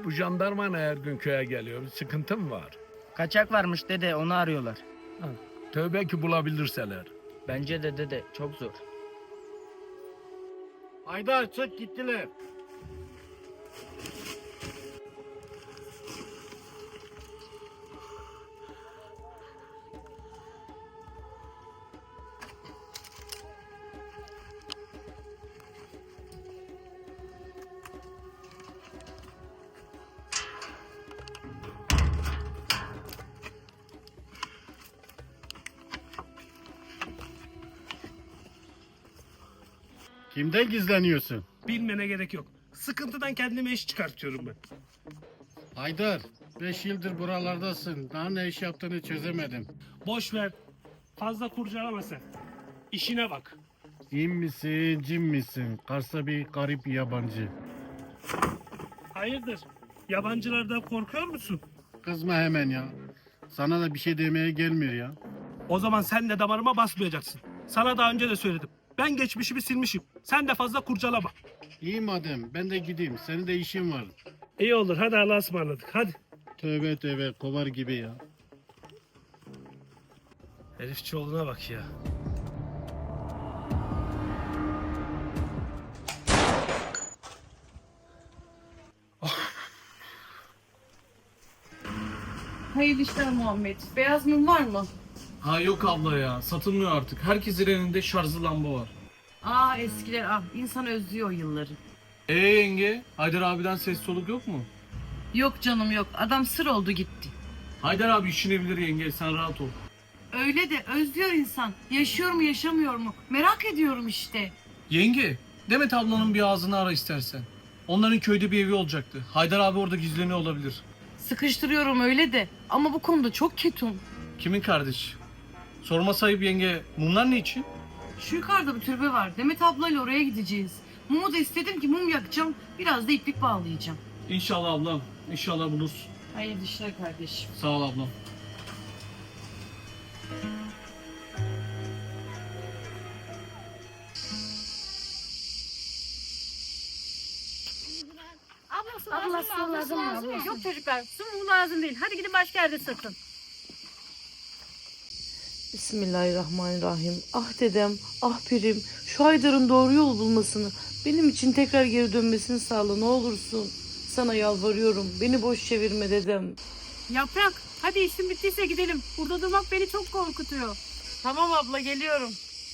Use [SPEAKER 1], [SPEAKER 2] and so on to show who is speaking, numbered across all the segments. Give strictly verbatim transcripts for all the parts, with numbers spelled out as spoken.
[SPEAKER 1] Bu jandarma ne her gün köye geliyor? Bir sıkıntı mı var?
[SPEAKER 2] Kaçak varmış dede, onu arıyorlar.
[SPEAKER 1] Ha, tövbe ki bulabilirseler.
[SPEAKER 2] Bence de dede, çok zor.
[SPEAKER 3] Haydar çık gittiler. Kimden gizleniyorsun?
[SPEAKER 4] Bilmene gerek yok. Sıkıntıdan kendime iş çıkartıyorum ben.
[SPEAKER 3] Haydar, beş yıldır buralardasın. Daha ne iş yaptığını çözemedim.
[SPEAKER 4] Boş ver. Fazla kurcalama sen. İşine bak.
[SPEAKER 3] İn misin, cin misin? Kars'ta bir garip yabancı.
[SPEAKER 4] Hayırdır? Yabancılardan korkuyor musun?
[SPEAKER 3] Kızma hemen ya. Sana da bir şey demeye gelmiyor ya.
[SPEAKER 4] O zaman sen de damarıma basmayacaksın. Sana daha önce de söyledim. Ben geçmişimi silmişim. Sen de fazla kurcalama.
[SPEAKER 3] İyi madem, ben de gideyim. Senin de işin var.
[SPEAKER 4] İyi olur. Hadi Allah'a ısmarladık. Hadi.
[SPEAKER 3] Tövbe tövbe, kovar gibi ya.
[SPEAKER 4] Herifçioğlu'na bak ya.
[SPEAKER 5] Hayırlı işler Muhammed. Beyaz mum var mı?
[SPEAKER 6] Ha yok abla ya, satılmıyor artık. Herkesin elinde şarjlı lamba var.
[SPEAKER 5] Aa eskiler ah. İnsan özlüyor o yılları.
[SPEAKER 6] Ee yenge, Haydar abiden ses soluk yok mu?
[SPEAKER 5] Yok canım yok. Adam sır oldu gitti.
[SPEAKER 6] Haydar abi işini bilir yenge, sen rahat ol.
[SPEAKER 5] Öyle de özlüyor insan. Yaşıyor mu yaşamıyor mu? Merak ediyorum işte.
[SPEAKER 6] Yenge, Demet ablanın bir ağzını ara istersen. Onların köyde bir evi olacaktı. Haydar abi orada gizleniyor olabilir.
[SPEAKER 5] Sıkıştırıyorum öyle de. Ama bu konuda çok ketum.
[SPEAKER 6] Kimin kardeşi? Sorma sayıp yenge, mumlar ne için?
[SPEAKER 5] Şu yukarıda bir türbe var. Demet ablayla oraya gideceğiz. Mumu da istedim ki mum yakacağım. Biraz da iplik bağlayacağım.
[SPEAKER 6] İnşallah ablam, inşallah bulursun.
[SPEAKER 5] Hayırlı işler kardeşim.
[SPEAKER 6] Sağ ol ablam.
[SPEAKER 7] Abla su
[SPEAKER 8] Abla,
[SPEAKER 7] lazım
[SPEAKER 8] su
[SPEAKER 7] mı? Abla,
[SPEAKER 8] lazım
[SPEAKER 7] su
[SPEAKER 8] mı?
[SPEAKER 7] lazım mı?
[SPEAKER 8] Abla,
[SPEAKER 7] Yok
[SPEAKER 8] su.
[SPEAKER 7] çocuklar su mu lazım değil. Hadi gidin başka yerde satın.
[SPEAKER 9] Bismillahirrahmanirrahim. Ah dedem, ah pirim, şu Haydar'ın doğru yol bulmasını, benim için tekrar geri dönmesini sağla ne olursun. Sana yalvarıyorum, beni boş çevirme dedem.
[SPEAKER 7] Yaprak hadi işin bittiyse gidelim. Burada durmak beni çok korkutuyor.
[SPEAKER 5] Tamam abla geliyorum.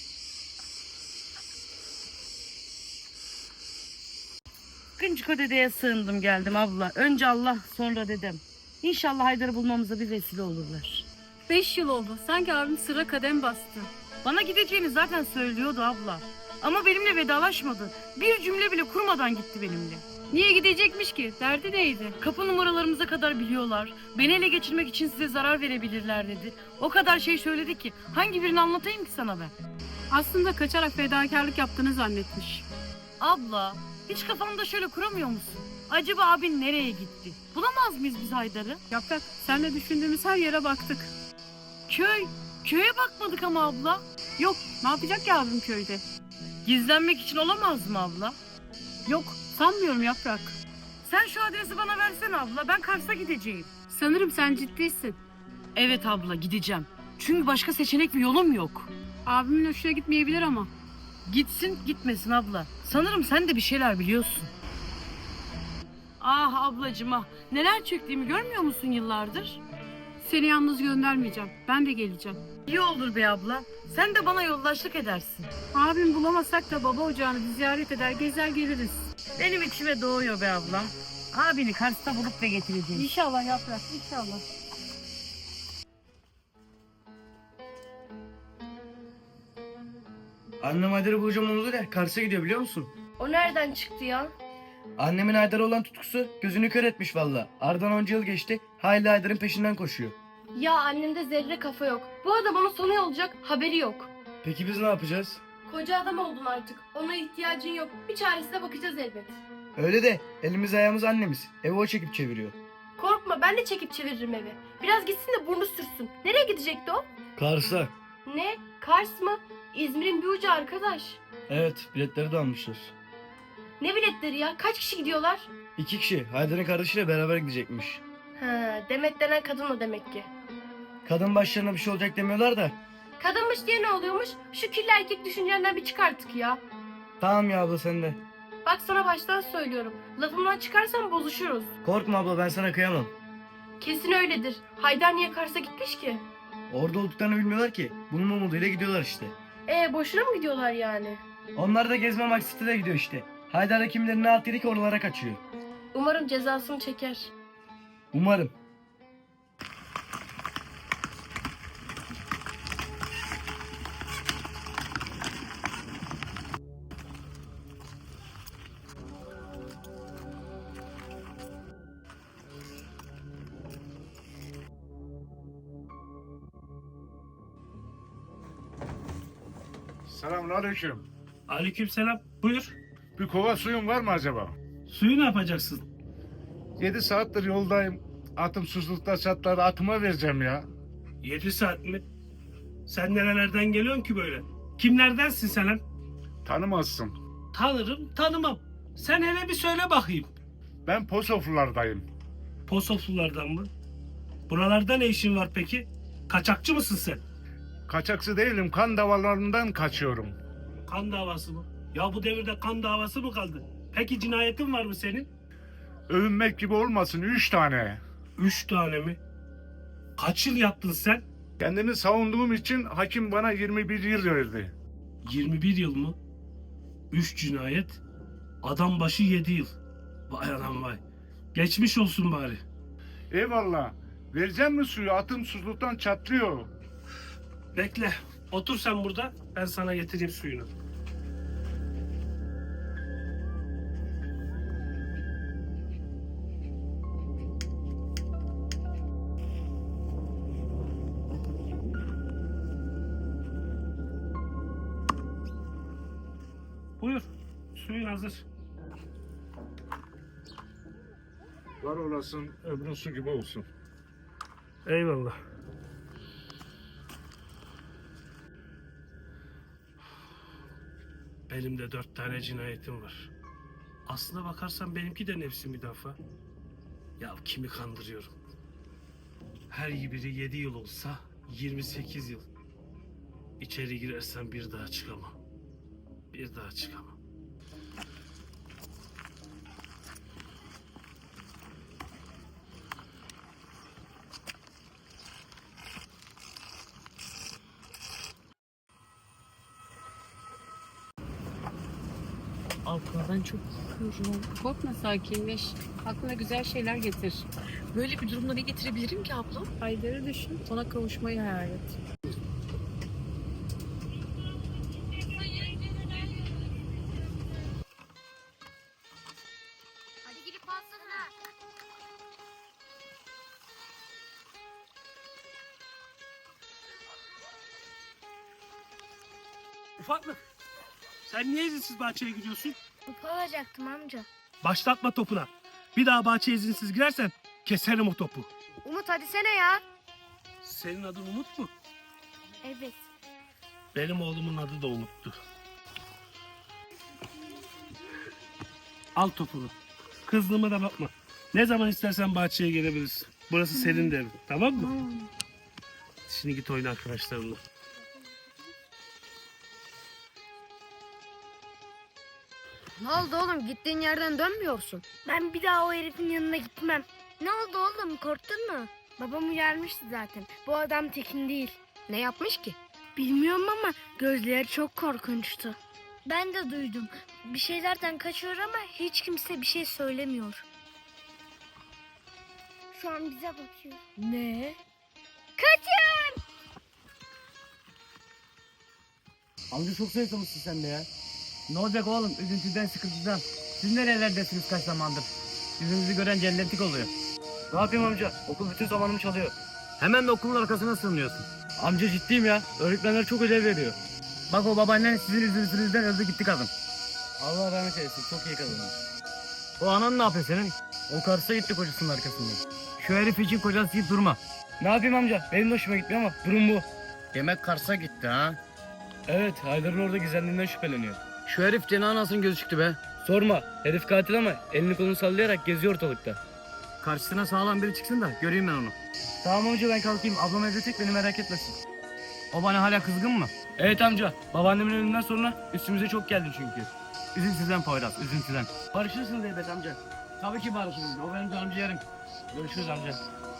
[SPEAKER 5] Kıncıko dedeye sığındım geldim abla. Önce Allah sonra dedem. İnşallah Haydar'ı bulmamıza bir vesile olurlar.
[SPEAKER 7] Beş yıl oldu. Sanki abim sıra kadem bastı.
[SPEAKER 5] Bana gideceğini zaten söylüyordu abla. Ama benimle vedalaşmadı. Bir cümle bile kurmadan gitti benimle.
[SPEAKER 7] Niye gidecekmiş ki? Derdi neydi?
[SPEAKER 5] Kapı numaralarımıza kadar biliyorlar. Beni ele geçirmek için size zarar verebilirler dedi. O kadar şey söyledi ki hangi birini anlatayım ki sana ben?
[SPEAKER 7] Aslında kaçarak fedakarlık yaptığını zannetmiş.
[SPEAKER 5] Abla hiç kafanda şöyle kuramıyor musun? Acaba abin nereye gitti? Bulamaz mıyız biz Haydar'ı?
[SPEAKER 7] Yaprak senle düşündüğümüz her yere baktık.
[SPEAKER 5] Köy. Köye bakmadık ama abla.
[SPEAKER 7] Yok ne yapacak ki abim köyde?
[SPEAKER 5] Gizlenmek için olamaz mı abla?
[SPEAKER 7] Yok sanmıyorum Yaprak.
[SPEAKER 5] Sen şu adresi bana versene abla. Ben Kars'a gideceğim.
[SPEAKER 7] Sanırım sen ciddisin.
[SPEAKER 5] Evet abla gideceğim. Çünkü başka seçenek ve yolum yok.
[SPEAKER 7] Abimin hoşuna gitmeyebilir ama.
[SPEAKER 5] Gitsin gitmesin abla. Sanırım sen de bir şeyler biliyorsun. Ah ablacığım ah. Neler çektiğimi görmüyor musun yıllardır?
[SPEAKER 7] Seni yalnız göndermeyeceğim. Ben de geleceğim.
[SPEAKER 5] İyi olur be abla. Sen de bana yoldaşlık edersin.
[SPEAKER 7] Abim bulamasak da baba ocağını bir ziyaret eder gezer geliriz.
[SPEAKER 5] Benim içime doğuyor be ablam. Abini Kars'ta bulup da getireceğim.
[SPEAKER 7] İnşallah Yaprak inşallah.
[SPEAKER 2] Annem Haydar'ı bulacağım onu da Kars'a gidiyor biliyor musun?
[SPEAKER 8] O nereden çıktı ya?
[SPEAKER 2] Annemin Haydar'a olan tutkusu gözünü kör etmiş valla. Aradan onca yıl geçti, hala Haydar'ın peşinden koşuyor.
[SPEAKER 8] Ya annemde zerre kafa yok. Bu arada bana sonu olacak haberi yok.
[SPEAKER 2] Peki biz ne yapacağız?
[SPEAKER 8] Koca adam oldun artık. Ona ihtiyacın yok. Bir çaresine bakacağız elbet.
[SPEAKER 2] Öyle de elimiz ayağımız annemiz. Evi o çekip çeviriyor.
[SPEAKER 8] Korkma ben de çekip çeviririm evi. Biraz gitsin de burnu sürsün. Nereye gidecekti o?
[SPEAKER 2] Kars'a.
[SPEAKER 8] Ne? Kars mı? İzmir'in bir ucu arkadaş.
[SPEAKER 2] Evet, biletleri de almışlar.
[SPEAKER 8] Ne biletleri ya? Kaç kişi gidiyorlar?
[SPEAKER 2] İki kişi Haydar'ın kardeşiyle beraber gidecekmiş.
[SPEAKER 8] Ha, Demet denen kadın o demek ki.
[SPEAKER 2] Kadın başlarına bir şey olacak demiyorlar da.
[SPEAKER 8] Kadınmış diye ne oluyormuş? Şu kirli erkek düşüncenden bir çık artık ya.
[SPEAKER 2] Tamam ya abla sen de.
[SPEAKER 8] Bak sana baştan söylüyorum. Lafımdan çıkarsan bozuşuruz.
[SPEAKER 2] Korkma abla ben sana kıyamam.
[SPEAKER 8] Kesin öyledir. Haydar niye Kars'a gitmiş ki?
[SPEAKER 2] Orada olduklarını bilmiyorlar ki. Bunun umuduyla gidiyorlar işte.
[SPEAKER 8] E boşuna mı gidiyorlar yani?
[SPEAKER 2] Onlar da gezme maksatıyla gidiyor işte. Haydar da kimlerin ne alt yedi ki oralara kaçıyor.
[SPEAKER 8] Umarım cezasını çeker.
[SPEAKER 2] Umarım.
[SPEAKER 10] Selamünaleyküm.
[SPEAKER 4] Aleykümselam. Buyur.
[SPEAKER 10] Bir kova suyun var mı acaba?
[SPEAKER 4] Suyu ne yapacaksın?
[SPEAKER 10] Yedi saattir yoldayım. Atım susuzlukta çatladı. Atıma vereceğim ya.
[SPEAKER 4] Yedi saat mi? Sen nerelerden geliyorsun ki böyle? Kimlerdensin sen lan?
[SPEAKER 10] Tanımazsın.
[SPEAKER 4] Tanırım, tanımam. Sen hele bir söyle bakayım.
[SPEAKER 10] Ben Posoflulardayım.
[SPEAKER 4] Posoflulardan mı? Buralarda ne işin var peki? Kaçakçı mısın sen?
[SPEAKER 10] Kaçakçı değilim. Kan davalarından kaçıyorum.
[SPEAKER 4] Kan davası mı? Ya bu devirde kan davası mı kaldı? Peki cinayetin var mı senin?
[SPEAKER 10] Övünmek gibi olmasın. Üç tane.
[SPEAKER 4] Üç tane mi? Kaç yıl yattın sen?
[SPEAKER 10] Kendimi savunduğum için hakim bana yirmi bir yıl verdi.
[SPEAKER 4] yirmi bir yıl mı? Üç cinayet. Adam başı yedi yıl. Vay anam vay. Geçmiş olsun bari.
[SPEAKER 10] Eyvallah. Vereceğim mi suyu? Atım susuzluktan çatlıyor.
[SPEAKER 4] Bekle. Otur sen burada. Ben sana getireyim suyunu. Buyur. Suyun hazır.
[SPEAKER 10] Var olasın. Öbürü su gibi olsun.
[SPEAKER 4] Eyvallah. Benim de dört tane cinayetim var. Aslına bakarsan benimki de nefsi müdafaa. Ya kimi kandırıyorum? Her biri yedi yıl olsa yirmi sekiz yıl. İçeri girersem bir daha çıkamam. Bir daha çıkamam.
[SPEAKER 7] Abla ben çok korkuyorum. Korkma, sakinleş. Aklına güzel şeyler getir.
[SPEAKER 5] Böyle bir durumda ne getirebilirim ki abla?
[SPEAKER 7] Haydar'ı düşün, ona kavuşmayı hayal et.
[SPEAKER 8] Hadi gidip alsana.
[SPEAKER 4] Ufaklık. Sen niye izinsiz bahçeye gidiyorsun?
[SPEAKER 8] Kupa alacaktım amca.
[SPEAKER 4] Başlatma topuna. Bir daha bahçeye izinsiz girersen keserim o topu.
[SPEAKER 8] Umut hadi sene ya.
[SPEAKER 4] Senin adın Umut mu?
[SPEAKER 8] Evet.
[SPEAKER 4] Benim oğlumun adı da Umut'tu. Al topunu. Kızdığıma da bakma. Ne zaman istersen bahçeye gelebilirsin. Burası senin de evin. Tamam mı? Şimdi git oyna arkadaşlarınla.
[SPEAKER 8] Ne oldu oğlum? Gittiğin yerden dönmüyorsun. Ben bir daha o herifin yanına gitmem. Ne oldu oğlum? Korktun mu? Babam uyarmıştı zaten. Bu adam tekin değil. Ne yapmış ki? Bilmiyorum ama gözleri çok korkunçtu. Ben de duydum. Bir şeylerden kaçıyor ama hiç kimse bir şey söylemiyor. Şu an bize bakıyor. Ne? Kaçın!
[SPEAKER 2] Amca çok zayıflamışsın sen de ya. Ne olacak oğlum üzüntüden sıkıntıdan. Siz nerelerdesiniz kaç zamandır? Yüzünüzü gören cennetlik oluyor. Ne yapayım amca? Okul bütün zamanımı çalıyor. Hemen de okulun arkasına sığınıyorsun. Amca ciddiyim ya. Öğretmenler çok ödev veriyor. Bak o babaannen sizin yüzünüzden öldü gitti kadın. Allah rahmet eylesin. Çok iyi kadın. O anan ne yapıyor senin? O Kars'a gitti kocasının arkasından. Şu herif için kocası deyip durma. Ne yapayım amca? Benim de hoşuma gitmiyor ama durum bu.
[SPEAKER 3] Demek Kars'a gitti ha?
[SPEAKER 2] Evet, Haydar'ın orada gizlendiğinden şüpheleniyor. Şu herif Cenah anasının gözü çıktı be. Sorma. Herif katil ama elini kolunu sallayarak geziyor ortalıkta. Karşısına sağlam biri çıksın da göreyim ben onu. Tamam amca ben kalkayım. Ablam evde tek beni merak etmesin. O bana hala kızgın mı? Evet amca. Babaannemin ölümünden sonra üstümüze çok geldi çünkü. Üzüntüden Poyraz, üzüntüden. Barışırsınız elbet amca. Tabii ki barışırız. O benim canım ciğerim. Görüşürüz amca.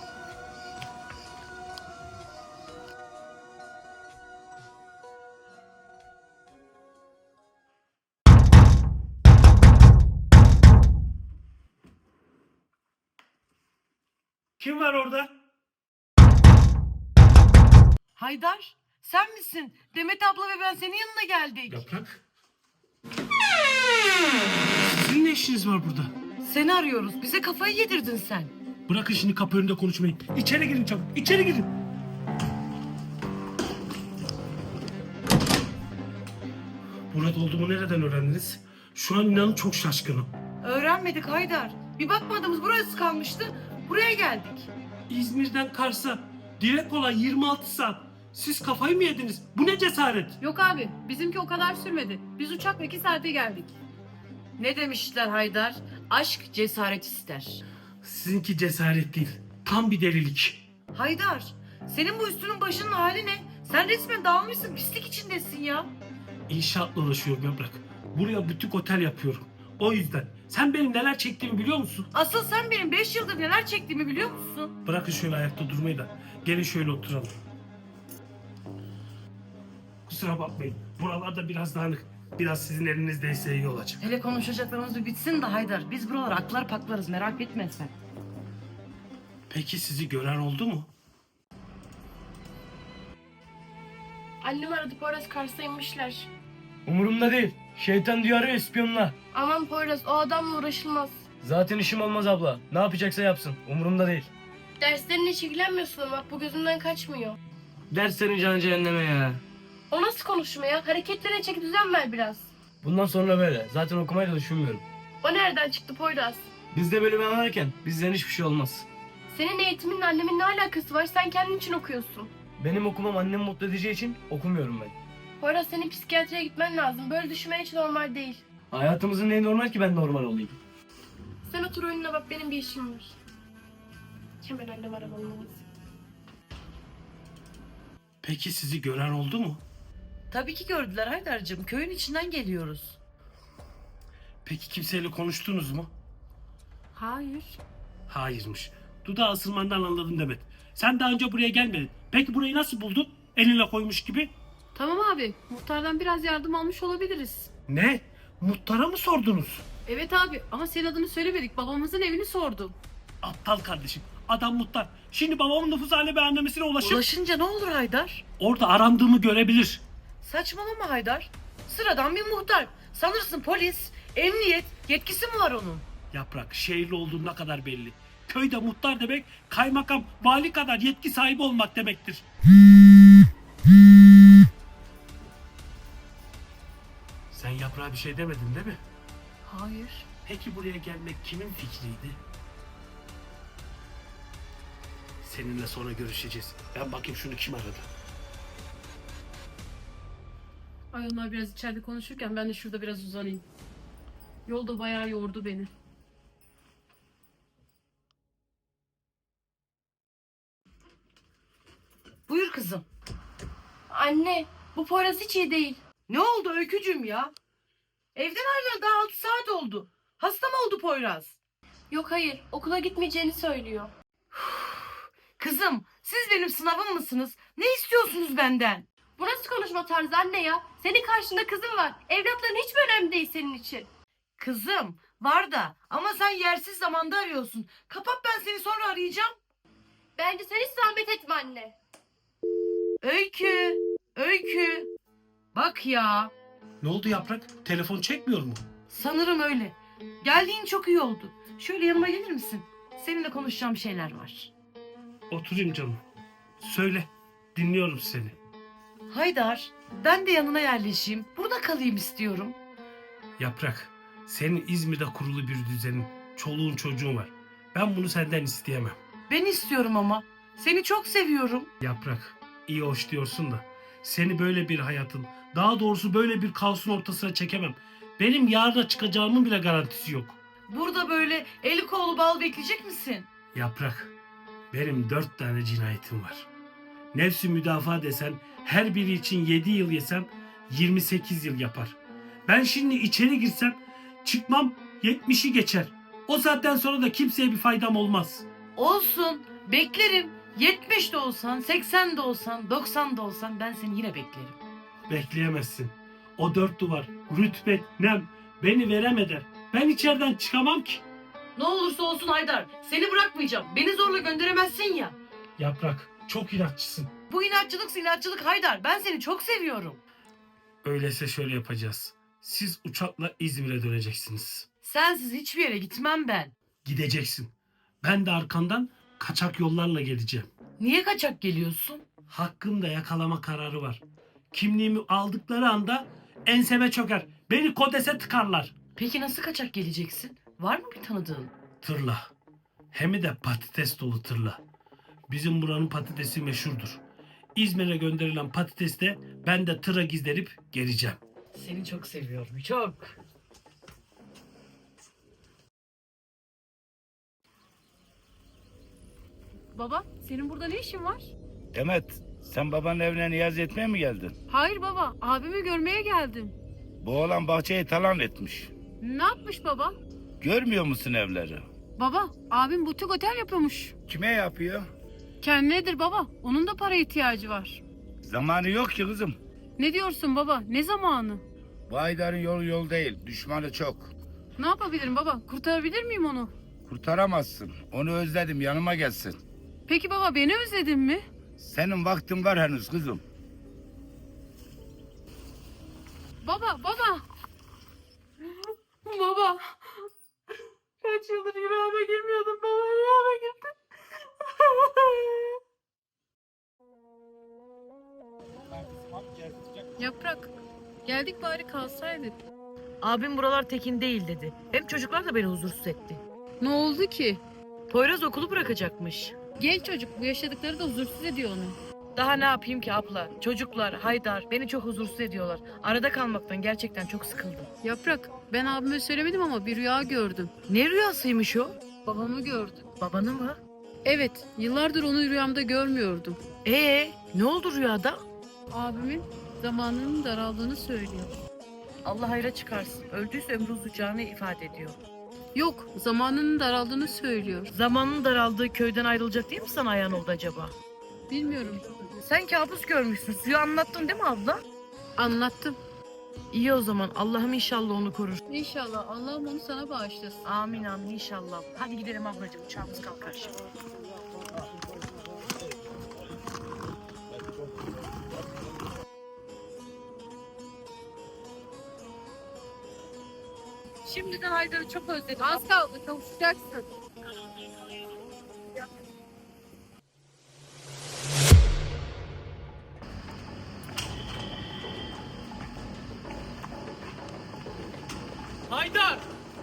[SPEAKER 4] Kim var orada?
[SPEAKER 5] Haydar, sen misin? Demet abla ve ben senin yanına geldik.
[SPEAKER 4] Yaprak. Sizin ne işiniz var burada?
[SPEAKER 5] Seni arıyoruz. Bize kafayı yedirdin sen.
[SPEAKER 4] Bırakın şimdi kapı önünde konuşmayı. İçeri girin çabuk. İçeri girin. Burada olduğumu nereden öğrendiniz? Şu an inanın çok şaşkınım.
[SPEAKER 5] Öğrenmedik Haydar. Bir bakmadığımız burası kalmıştı. Buraya geldik.
[SPEAKER 4] İzmir'den Kars'a direkt olan yirmi altı saat. Siz kafayı mı yediniz? Bu ne cesaret?
[SPEAKER 7] Yok abi bizimki o kadar sürmedi. Biz uçakla iki saate geldik.
[SPEAKER 5] Ne demişler Haydar? Aşk cesaret ister.
[SPEAKER 4] Sizinki cesaret değil. Tam bir delilik.
[SPEAKER 5] Haydar, senin bu üstünün başının hali ne? Sen resmen dağılmışsın, pislik içindesin ya.
[SPEAKER 4] İnşaatla uğraşıyorum Yaprak. Buraya butik otel yapıyorum. O yüzden. Sen benim neler çektiğimi biliyor musun?
[SPEAKER 5] Asıl sen benim beş yıldır neler çektiğimi biliyor musun?
[SPEAKER 4] Bırakın şöyle ayakta durmayı da. Gelin şöyle oturalım. Kusura bakmayın. Buralarda biraz dağınık. Biraz sizin elinizdeyse iyi olacak.
[SPEAKER 5] Hele konuşacaklarımız bir bitsin de Haydar. Biz buralar aklar paklarız, merak etme sen.
[SPEAKER 4] Peki sizi gören oldu mu?
[SPEAKER 8] Annem aradı Poyraz Kars'a inmişler.
[SPEAKER 2] Umurumda değil. Şeytan diyor arıyor ispiyonla.
[SPEAKER 8] Aman Poyraz o adamla uğraşılmaz.
[SPEAKER 2] Zaten işim olmaz abla. Ne yapacaksa yapsın. Umurumda değil.
[SPEAKER 8] Derslerine hiç ilgilenmiyorsun ama bak bu gözümden kaçmıyor.
[SPEAKER 2] Derslerin canı cehenneme ya.
[SPEAKER 8] O nasıl konuşma ya? Hareketlerine çeki düzen ver biraz.
[SPEAKER 2] Bundan sonra böyle. Zaten okumayı da düşünmüyorum.
[SPEAKER 8] O nereden çıktı Poyraz?
[SPEAKER 2] Biz de bölümü anlarken bizden hiçbir şey olmaz.
[SPEAKER 8] Senin eğitiminle annemin ne alakası var? Sen kendin için okuyorsun.
[SPEAKER 2] Benim okumam annemi mutlu edeceği için okumuyorum ben.
[SPEAKER 8] Poyraz senin psikiyatriye gitmen lazım. Böyle düşünmen hiç normal değil.
[SPEAKER 2] Hayatımızın neyi normal ki ben normal olayım.
[SPEAKER 8] Sen otur önüne bak benim bir işim var. Hemen annem aramam lazım.
[SPEAKER 4] Peki sizi gören oldu mu?
[SPEAKER 5] Tabii ki gördüler Haydar'cığım. Köyün içinden geliyoruz.
[SPEAKER 4] Peki kimseyle konuştunuz mu?
[SPEAKER 7] Hayır.
[SPEAKER 4] Hayırmış. Dudağı ısırmandan anladım Demet. Sen daha önce buraya gelmedin. Peki burayı nasıl buldun? Eline koymuş gibi.
[SPEAKER 7] Tamam abi muhtardan biraz yardım almış olabiliriz.
[SPEAKER 4] Ne? Muhtara mı sordunuz?
[SPEAKER 7] Evet abi ama senin adını söylemedik. Babamızın evini sordum.
[SPEAKER 4] Aptal kardeşim. Adam muhtar. Şimdi babamın nüfus hale beyanlamesine ulaşıp
[SPEAKER 5] Ulaşınca ne olur Haydar?
[SPEAKER 4] orada arandığımı görebilir.
[SPEAKER 5] Saçmalama Haydar. Sıradan bir muhtar. Sanırsın polis, emniyet, yetkisi mi var onun?
[SPEAKER 4] Yaprak şehirli olduğu ne kadar belli. Köyde muhtar demek kaymakam, vali kadar yetki sahibi olmak demektir. Sen Yaprağa bir şey demedin değil mi?
[SPEAKER 5] Hayır.
[SPEAKER 4] Peki buraya gelmek kimin fikriydi? Seninle sonra görüşeceğiz. Ben bakayım şunu kim aradı.
[SPEAKER 7] Ay onlar biraz içeride konuşurken ben de şurada biraz uzanayım. Yolda bayağı yordu beni.
[SPEAKER 5] Buyur kızım.
[SPEAKER 8] Anne bu Poyraz hiç iyi değil.
[SPEAKER 5] Ne oldu Öykücüm ya? Evden ayrılalı daha altı saat oldu. Hasta mı oldu Poyraz?
[SPEAKER 8] Yok hayır okula gitmeyeceğini söylüyor.
[SPEAKER 5] Kızım, siz benim sınavım mısınız? Ne istiyorsunuz benden?
[SPEAKER 8] Bu nasıl konuşma tarzı anne ya? Senin karşında kızın var. Evlatların hiç mi önemli değil senin için?
[SPEAKER 5] Kızım, var da ama sen yersiz zamanda arıyorsun. Kapat, ben seni sonra arayacağım.
[SPEAKER 8] Bence sen hiç zahmet etme anne.
[SPEAKER 5] Öykü, Öykü. Bak ya,
[SPEAKER 4] Ne oldu Yaprak? Telefon çekmiyor mu?
[SPEAKER 5] sanırım öyle. Geldiğin çok iyi oldu. Şöyle yanıma gelir misin? Seninle konuşacağım şeyler var.
[SPEAKER 4] Oturayım canım. Söyle. Dinliyorum seni.
[SPEAKER 5] Haydar, ben de yanına yerleşeyim. Burada kalayım istiyorum.
[SPEAKER 4] Yaprak, senin İzmir'de kurulu bir düzenin, çoluğun çocuğun var. Ben bunu senden isteyemem.
[SPEAKER 5] Ben istiyorum ama. Seni çok seviyorum.
[SPEAKER 4] Yaprak, iyi hoş diyorsun da seni böyle bir hayatın Daha doğrusu böyle bir kaosun ortasına çekemem. Benim yarına çıkacağımın bile garantisi yok.
[SPEAKER 5] Burada böyle eli kolu bal bekleyecek misin?
[SPEAKER 4] Yaprak, benim dört tane cinayetim var. Nefsi müdafaa desen, her biri için yedi yıl yesem yirmi sekiz yıl yapar. Ben şimdi içeri girsem çıkmam yetmişi geçer. O saatten sonra da kimseye bir faydam olmaz.
[SPEAKER 5] Olsun. Beklerim. yetmiş de olsan, seksen de olsan, doksan da olsan ben seni yine beklerim.
[SPEAKER 4] Bekleyemezsin. O dört duvar, rütbet, nem beni verem eder. Ben içeriden çıkamam ki.
[SPEAKER 5] Ne olursa olsun Haydar. Seni bırakmayacağım. Beni zorla gönderemezsin ya.
[SPEAKER 4] Yaprak, çok inatçısın.
[SPEAKER 5] Bu inatçılık inatçılık Haydar. Ben seni çok seviyorum.
[SPEAKER 4] Öyleyse şöyle yapacağız. Siz uçakla İzmir'e döneceksiniz.
[SPEAKER 5] Sensiz hiçbir yere gitmem ben.
[SPEAKER 4] Gideceksin. Ben de arkandan kaçak yollarla geleceğim.
[SPEAKER 5] Niye kaçak geliyorsun?
[SPEAKER 4] Hakkımda yakalama kararı var. Kimliğimi aldıkları anda enseme çöker. Beni kodese tıkarlar.
[SPEAKER 5] Peki nasıl kaçak geleceksin? Var mı bir tanıdığın?
[SPEAKER 4] Tırla. Hem de patates dolu tırla. Bizim buranın patatesi meşhurdur. İzmir'e gönderilen patates de ben de tıra gizlenip geleceğim.
[SPEAKER 5] Seni çok seviyorum. Çok.
[SPEAKER 7] Baba, senin burada ne işin var?
[SPEAKER 10] Demet, sen babanın evine niyaz etmeye mi geldin?
[SPEAKER 7] Hayır baba, abimi görmeye geldim.
[SPEAKER 10] Bu oğlan bahçeyi talan etmiş.
[SPEAKER 7] Ne yapmış baba?
[SPEAKER 10] Görmüyor musun evleri?
[SPEAKER 7] Baba, abim butik otel yapıyormuş.
[SPEAKER 10] Kime yapıyor?
[SPEAKER 7] Kendinedir baba, onun da para ihtiyacı var.
[SPEAKER 10] Zamanı yok ki kızım.
[SPEAKER 7] Ne diyorsun baba, ne zamanı?
[SPEAKER 10] Bu Haydar'ın yolu yol değil, düşmanı çok.
[SPEAKER 7] Ne yapabilirim baba, kurtarabilir miyim onu?
[SPEAKER 10] Kurtaramazsın. Onu özledim, yanıma gelsin.
[SPEAKER 7] Peki baba, beni özledin mi?
[SPEAKER 10] Senin vaktin var henüz kızım.
[SPEAKER 7] Baba, baba! Baba! Kaç yıldır yüreğime girmiyordum baba, yüreğime girdi. Yaprak, geldik bari kalsaydık.
[SPEAKER 5] Abim buralar tekin değil dedi. Hem çocuklar da beni huzursuz etti.
[SPEAKER 7] Ne oldu ki?
[SPEAKER 5] Poyraz okulu bırakacakmış.
[SPEAKER 7] Genç çocuk, bu yaşadıkları da huzursuz ediyor onu.
[SPEAKER 5] Daha ne yapayım ki abla? Çocuklar, Haydar beni çok huzursuz ediyorlar. Arada kalmaktan gerçekten çok sıkıldım.
[SPEAKER 7] Yaprak, ben abime söylemedim ama bir rüya gördüm.
[SPEAKER 5] Ne rüyasıymış o?
[SPEAKER 7] Babamı gördüm.
[SPEAKER 5] Babanı mı?
[SPEAKER 7] Evet, yıllardır onu rüyamda görmüyordum.
[SPEAKER 5] Ee, ne oldu rüyada?
[SPEAKER 7] Abimin zamanının daraldığını söylüyor.
[SPEAKER 5] Allah hayra çıkarsın. Öldüyse ömrü uzayacağını ifade ediyor.
[SPEAKER 7] Yok, zamanının daraldığını söylüyor.
[SPEAKER 5] Zamanın daraldığı köyden ayrılacak değil mi sana ayağın oldu acaba?
[SPEAKER 7] Bilmiyorum.
[SPEAKER 5] Sen kabus görmüşsün. Suyu anlattın değil mi abla?
[SPEAKER 7] Anlattım.
[SPEAKER 5] İyi o zaman. Allah'ım inşallah onu korur.
[SPEAKER 7] İnşallah Allah'ım onu sana bağışlasın.
[SPEAKER 5] Amin amin inşallah. Hadi gidelim ablacığım. Uçağımız kalkar şimdi. Şimdiden Haydar'ı çok özledim.
[SPEAKER 7] Az kaldı, kavuşacaksın.
[SPEAKER 4] Haydar!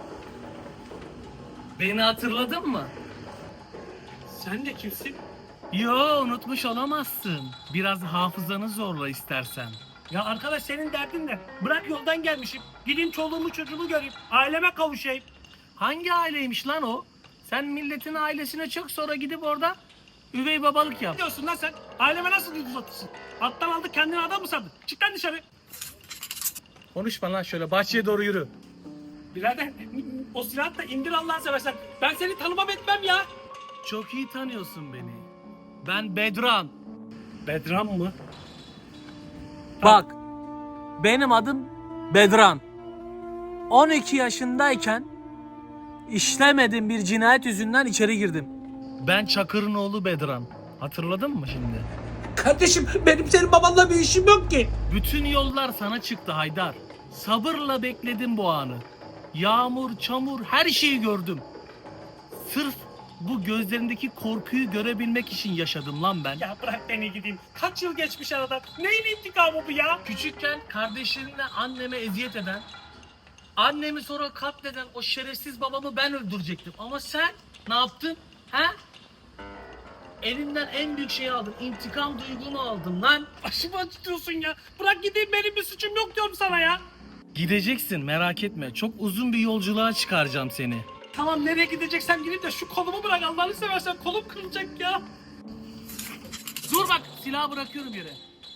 [SPEAKER 6] Beni hatırladın mı?
[SPEAKER 4] Sen de kimsin?
[SPEAKER 6] Yo, unutmuş olamazsın. Biraz hafızanı zorla istersen.
[SPEAKER 4] Ya arkadaş senin derdin ne? Bırak yoldan gelmişim. Gideyim çoluğumu çocuğumu göreyim. Aileme kavuşayım.
[SPEAKER 6] Hangi aileymiş lan o? Sen milletin ailesine çok sonra gidip orada üvey babalık yap.
[SPEAKER 4] Ne diyorsun lan sen? Aileme nasıl yüz uzatırsın? Alttan aldık kendini adam mı sandın? Çık lan dışarı.
[SPEAKER 6] Konuşma lan, şöyle bahçeye doğru yürü.
[SPEAKER 4] Birader o silahı da indir Allah'ını seversen. Ben seni tanımam etmem ya.
[SPEAKER 6] Çok iyi tanıyorsun beni. Ben Bedran.
[SPEAKER 4] Bedran mı?
[SPEAKER 11] Bak, benim adım Bedran. on iki yaşındayken işlemediğim bir cinayet yüzünden içeri girdim.
[SPEAKER 6] Ben Çakır'ın oğlu Bedran. Hatırladın mı şimdi?
[SPEAKER 11] Kardeşim, benim senin babanla bir işim yok ki.
[SPEAKER 6] Bütün yollar sana çıktı Haydar. Sabırla bekledim bu anı. Yağmur, çamur, her şeyi gördüm. Sırf bu gözlerindeki korkuyu görebilmek için yaşadım lan ben.
[SPEAKER 4] Ya bırak beni gideyim. Kaç yıl geçmiş aradan. Neyin intikamı bu ya?
[SPEAKER 6] Küçükken kardeşlerimle anneme eziyet eden, annemi sonra katleden o şerefsiz babamı ben öldürecektim. Ama sen ne yaptın? He? Elinden en büyük şeyi aldım. İntikam duygunu aldım lan.
[SPEAKER 4] Başımı acıtıyorsun ya. Bırak gideyim, benim bir suçum yok diyorum sana ya.
[SPEAKER 6] Gideceksin, merak etme. Çok uzun bir yolculuğa çıkaracağım seni.
[SPEAKER 4] Tamam, nereye gideceksem gideyim de şu kolumu bırak, Allah'ını seversen kolum kırılacak ya.
[SPEAKER 6] Dur bak, silahı bırakıyorum yere.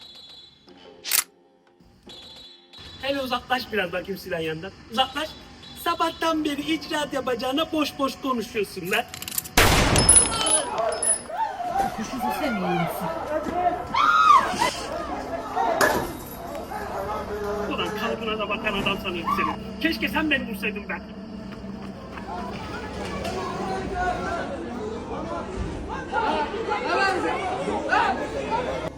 [SPEAKER 4] Hele uzaklaş biraz bakayım silahın yanından. Uzaklaş. Sabahtan beri icraat yapacağına boş boş konuşuyorsun lan.
[SPEAKER 5] Kuşu sesi mi yiyorsun?
[SPEAKER 4] Ulan kalıbına da bakan adam sanıyorum seni. Keşke sen beni vursaydın ben.